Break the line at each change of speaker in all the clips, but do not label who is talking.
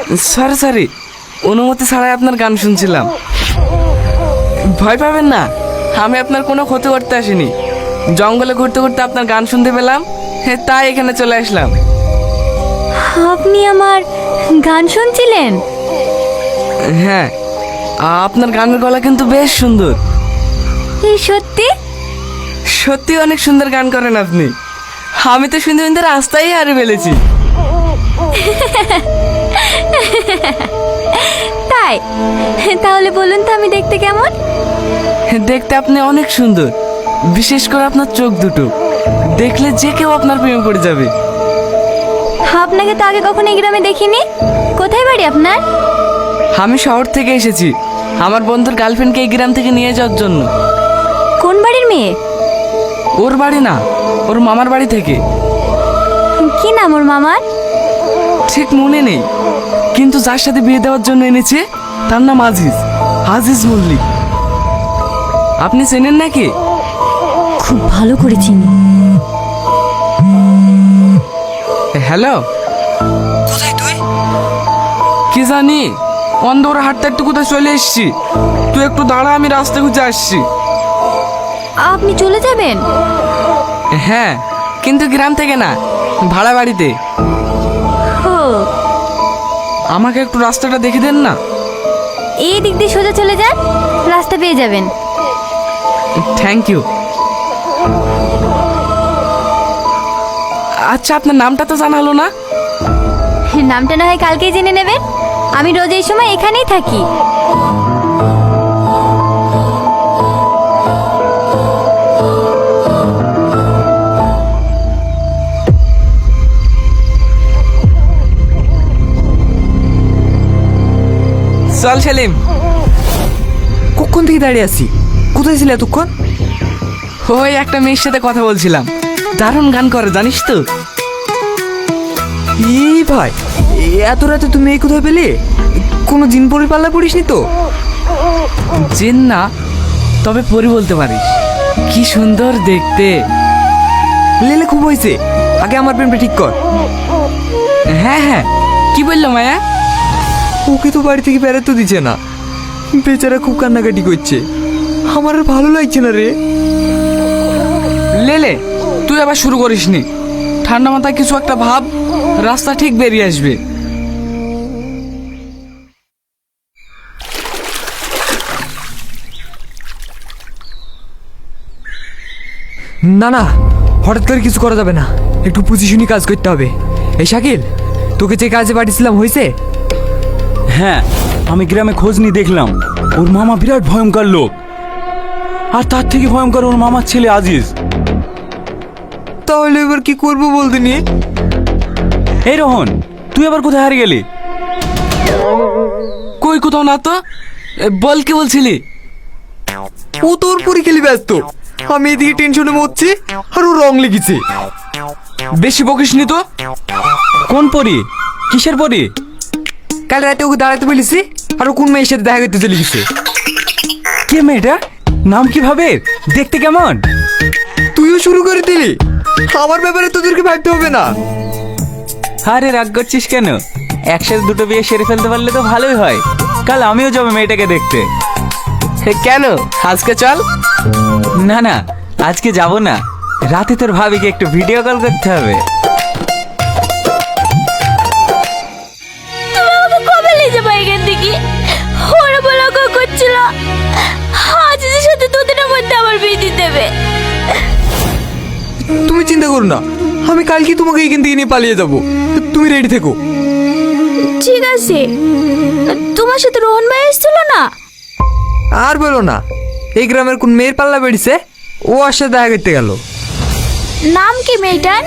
Sorry sorry, অনুমতি ছাড়াই আপনার গান শুনছিলাম। ভয় পাবেন না, আমি আপনার কোনো ক্ষতি করতে আসিনি। জঙ্গলে ঘুরতে ঘুরতে আপনার গান শুনতে পেলাম, তাই এখানে চলে আসলাম।
আপনি আমার গান শুনছিলেন?
হ্যাঁ, আপনার গানের গলা কিন্তু বেশ সুন্দর।
এই সত্যি?
সত্যি অনেক সুন্দর গান করেন আপনি। আমি তো শুনতে শুনতে রাস্তায় হারিয়ে ফেলেছি।
তাই? তাহলে বলুন তো আমি দেখতে কেমন?
দেখতে আপনি অনেক সুন্দর, বিশেষ করে আপনার চোখ দুটো দেখলে যে কেউ আপনার প্রেমে পড়ে যাবে।
আপনাকে তো আগে কখনো এই গ্রামে দেখিনি। কোথায় বাড়ি আপনার?
আমি শহর থেকে এসেছি আমার বন্ধুর গার্লফ্রেন্ডকে এই গ্রাম থেকে নিয়ে যাওয়ার জন্য।
কোন বাড়ির মেয়ে?
ওর বাড়ি না, ওর মামার বাড়ি থেকে।
কি নাম ওর মামার?
ঠিক মনে নেই, কিন্তু যার সাথে বিয়ে দেওয়ার জন্য এনেছে তার নাম আজিজ, আজিজ মল্লিক। আপনি চেনেন নাকি?
খুব ভালো করে চিনি।
হ্যালো, কোথায় তুই? কি জানি, অন্ধকার হাঁটতে হাঁটতে কোথায় চলে এসেছি। তুই একটু দাঁড়া, আমি রাস্তা খুঁজে আসছি।
আপনি চলে যাবেন?
হ্যাঁ, কিন্তু গ্রাম থেকে না, ভাড়া বাড়িতে।
ও,
আমাকে একটু রাস্তাটা দেখে দেন না।
এই দিক দিয়ে সোজা চলে যান, রাস্তা পেয়ে যাবেন।
Thank you. আচ্ছা, আপনার নামটা তো জানা হলো না।
নামটা না হয় কালকেই জেনে নেবেন। আমি রোজ এই সময় এখানেই থাকি।
চল সেলিম।
কখন থেকে দাঁড়িয়ে আছি? কোথায় ছিলে এতক্ষণ?
ওই একটা মেয়ের সাথে কথা বলছিলাম, দারুণ গান করে জানিস তো।
এই ভাই, এত রাতে তুমি এই কোথায় পেলে? কোনো জিন পরি পাল্লা পড়িসনি তো?
চেন না, তবে পরি বলতে পারিস। কি সুন্দর দেখতে।
লেলে খুব হয়েছে, আগে আমার প্রেমটা ঠিক কর।
হ্যাঁ হ্যাঁ, কি বললো মায়া?
ওকে তো বাড়ি থেকে বেড়াতে দিচ্ছে না, বেচারা খুব কান্নাকাটি করছে। আমার আর ভালো লাগছে না রে।
লেলে, তুই আবার শুরু করিসনি। ঠান্ডা মাথায় কিছু একটা ভাব, রাস্তা ঠিক বেরিয়ে আসবে।
না না, হঠাৎ করে কিছু করা যাবে না, একটু পজিশনই কাজ করতে হবে। এই শাকিল, তোকে যে কাজে পাঠিয়েছিলাম হয়েছে?
হ্যাঁ, আমি গ্রামে খোঁজ নিয়ে দেখলাম ওর মামা বিরাট ভয়ঙ্কর লোক, আর তার থেকে ভয়ঙ্কর ওর মামার ছেলে আজিজ।
তাহলে এবার কি করবো বলতে নিয়ে?
এই রোহন, তুই আবার কোথায় হারিয়ে গেলি?
কই কোথাও না তো। বল, কি বলছিলি?
ও তোর পরি খেলি ব্যস্ত, আমি এদিকে টেনশনে মরছি আর ও রং লেগেছে।
বেশি বকিসনি তো।
কোন পরি? কিসের পরি?
কাল রাতে ওকে দাঁড়াতে বলেছি, আর ও কোন মেয়ের সাথে দেখা করতে চলে গেছে।
কে মেয়েটা? নাম কি ভাবে? দেখতে কেমন?
তুইও শুরু করে দিলি, আমার ব্যাপারে তোদেরকে ভাবতে হবে না।
আরে রাগ করছিস কেন? একসাথে দুটো বিয়ে সেরে ফেলতে পারলে তো ভালোই হয়। কাল আমিও যাবো মেয়েটাকে দেখতে।
কেন, আজকে চল।
না না, আজকে যাব না, রাতে তোর ভাবিকে একটু ভিডিও কল করতে হবে।
তুমি আমাকে কবে নিয়ে যাবে এখান থেকে? ওরা বলাকো করছিল আজিজের সাথে দুদিনের মধ্যে আমার বিয়ে দিয়ে দেবে।
তুমি চিন্তা করো না, আমি কালকে তোমাকে এখান থেকে নিয়ে পালিয়ে যাব। তুমি রেডি থেকো।
ঠিক আছে, তোমার সাথে রোহন ভাই এসেছিল না?
আর বলো না, এই গ্রামের কোন মেয়ের পাল্লা বেড়েছে, ও আর সাথে দেখা করতে গেল।
নাম কি মেয়েটার?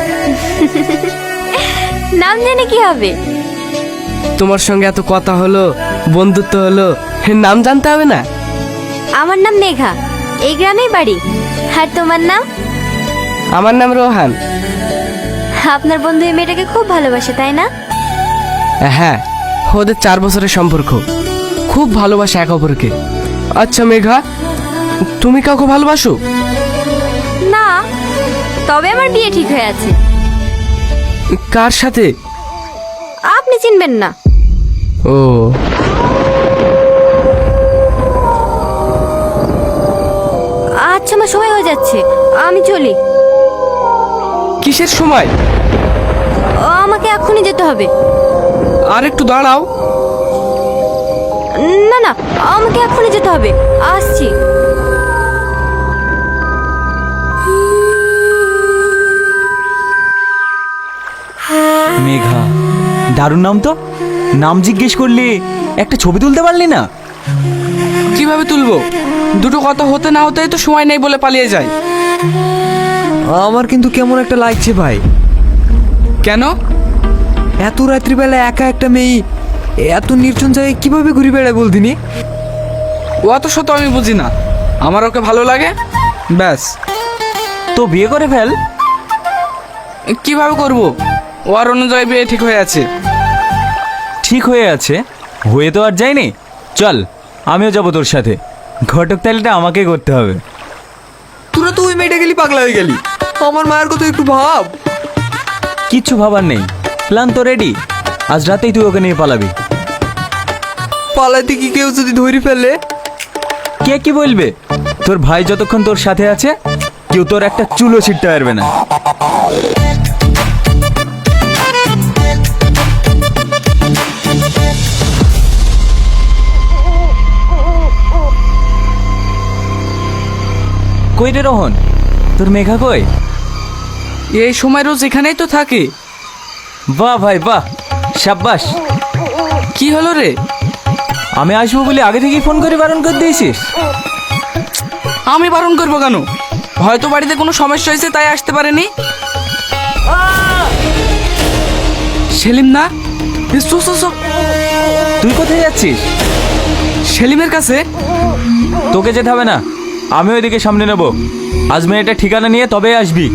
নাম জেনে কি হবে?
তোমার সঙ্গে এত কথা হলো, বন্ধুত্ব হলো, নাম জানতে হবে না?
আমার নাম মেঘা, এই গ্রামেই বাড়ি। আর তোমার নাম?
আমার নাম রোহান।
আপনার বন্ধু এই মেয়েটাকে খুব ভালোবাসে, তাই না?
হ্যাঁ, ওদের 4 বছরের সম্পর্ক, খুব ভালোবাসে এক অপরকে। আচ্ছা মেঘা, তুমি কাউকে ভালোবাসো?
না, তবে আমার বিয়ে ঠিক হয়ে আছে।
কার সাথে?
আপনি চিনবেন না,
ও,
আচ্ছা আমার সময় হয়ে যাচ্ছে, আমি চলি।
কিসের সময়?
আমাকে এক্ষুনি যেতে হবে।
আর একটু দাঁড়াও।
না না, আমাকে এক্ষুনি যেতে হবে, আসছি।
মেঘা, দারুণ নাম তো। নাম জিজ্ঞেস করলি, একটা ছবি তুলতে পারলি না?
কিভাবে তুলবো? দুটো কথা হতে না হতেই তো সময় নেই বলে পালিয়ে যায়।
আমার কিন্তু কেমন একটা লাগছে ভাই।
কেন?
এত রাত্রিবেলা একা একটা মেয়ে এত নির্জন জায়গায় কিভাবে ঘুরে বেড়ায় বলদিনি?
ও অত শত আমি বুঝি না, আমার ওকে ভালো লাগে ব্যাস।
তো বিয়ে করে ফেল।
কিভাবে করব? ও আর অন্য জায়গায় বিয়ে ঠিক হয়ে আছে।
ঠিক হয়ে আছে, হয়ে তো আর যায়নি। চল, আমিও যাবো তোর সাথে। ঘটক তালিটা আমাকে করতে হবে।
তোরা তো ওই মেয়েটা গেলি পাগলা হয়ে গেলি। আমার মায়ের কথা একটু ভাব।
কিচ্ছু ভাবার নেই, প্ল্যান তো রেডি। আজ রাতেই তুই ওকে নিয়ে পালাবি।
পালাইতে কি কেউ যদি ধরে ফেলে?
কে কি বলবে? তোর ভাই যতক্ষণ তোর সাথে আছে, কেউ তোর একটা চুলো ছিটতে পারবে না। কই রে রোহন, তোর মেঘা কই?
এই সময় রোজ এখানেই তো থাকে।
বাহ ভাই বাহ, সাব্বাস।
কি হলো রে?
আমি আসবো বলে আগে থেকেই ফোন করে বারণ করে দিয়েছিস?
আমি বারণ করবো কেন? হয়তো বাড়িতে কোনো সমস্যা হয়েছে তাই আসতে পারেনি। সেলিম না? এ, সো, সো, সো।
তুই কোথায় যাচ্ছিস?
সেলিমের কাছে।
তোকে যেতে হবে না, আমি ওইদিকে সামনে নেব। আজ মেয়েটা ঠিকানা নিয়ে তবে আসবি।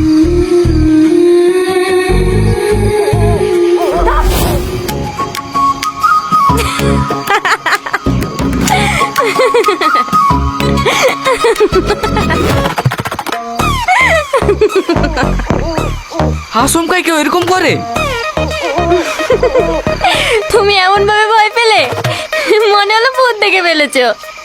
আসমকাই কেউ এরকম করে?
তুমি এমন ভাবে ভয় পেলে, মনে হলো ভূত দেখে ফেলেছো।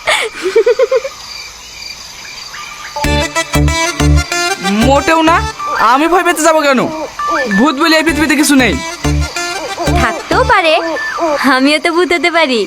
মোটেও না, আমি ভয় পেতে যাবো কেন? ভূত বলে এই পৃথিবীতে কিছু নেই।
থাকতেও পারে, আমিও তো ভূত হতে পারি।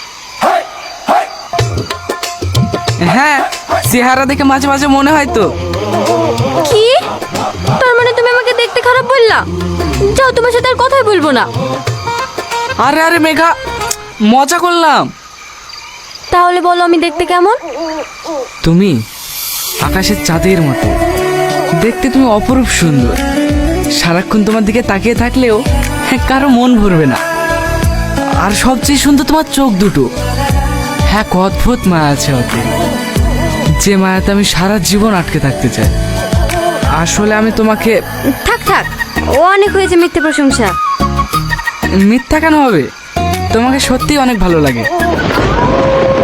হ্যাঁ, চেহারা দেখে মাঝে মাঝে মনে হয় তো।
কি? তার মানে তুমি আমাকে দেখতে খারাপ বললা? যাও, তোমার সাথে আর কথাই বলবো না।
আরে আরে মেঘা, মজা করলাম।
তাহলে বলো আমি দেখতে কেমন?
তুমি আকাশের চাঁদের মতো দেখতে, তুমি অপরূপ সুন্দর। সারাক্ষণ তোমার দিকে তাকিয়ে থাকলেও কারো মন ভরবে না। আর সবচেয়ে সুন্দর তোমার চোখ দুটো। হ্যাঁ, অদ্ভুত মায়া আছে ওতে, যে মায়াতে আমি সারা জীবন আটকে থাকতে চাই। আসলে আমি তোমাকে।
থাক থাক, ও অনেক হয়েছে মিথ্যে প্রশংসা।
মিথ্যা কেন হবে? তোমাকে সত্যিই অনেক ভালো লাগে।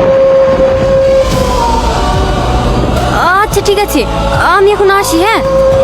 আচ্ছা ঠিক আছে, আমি এখন আসি। হ্যাঁ।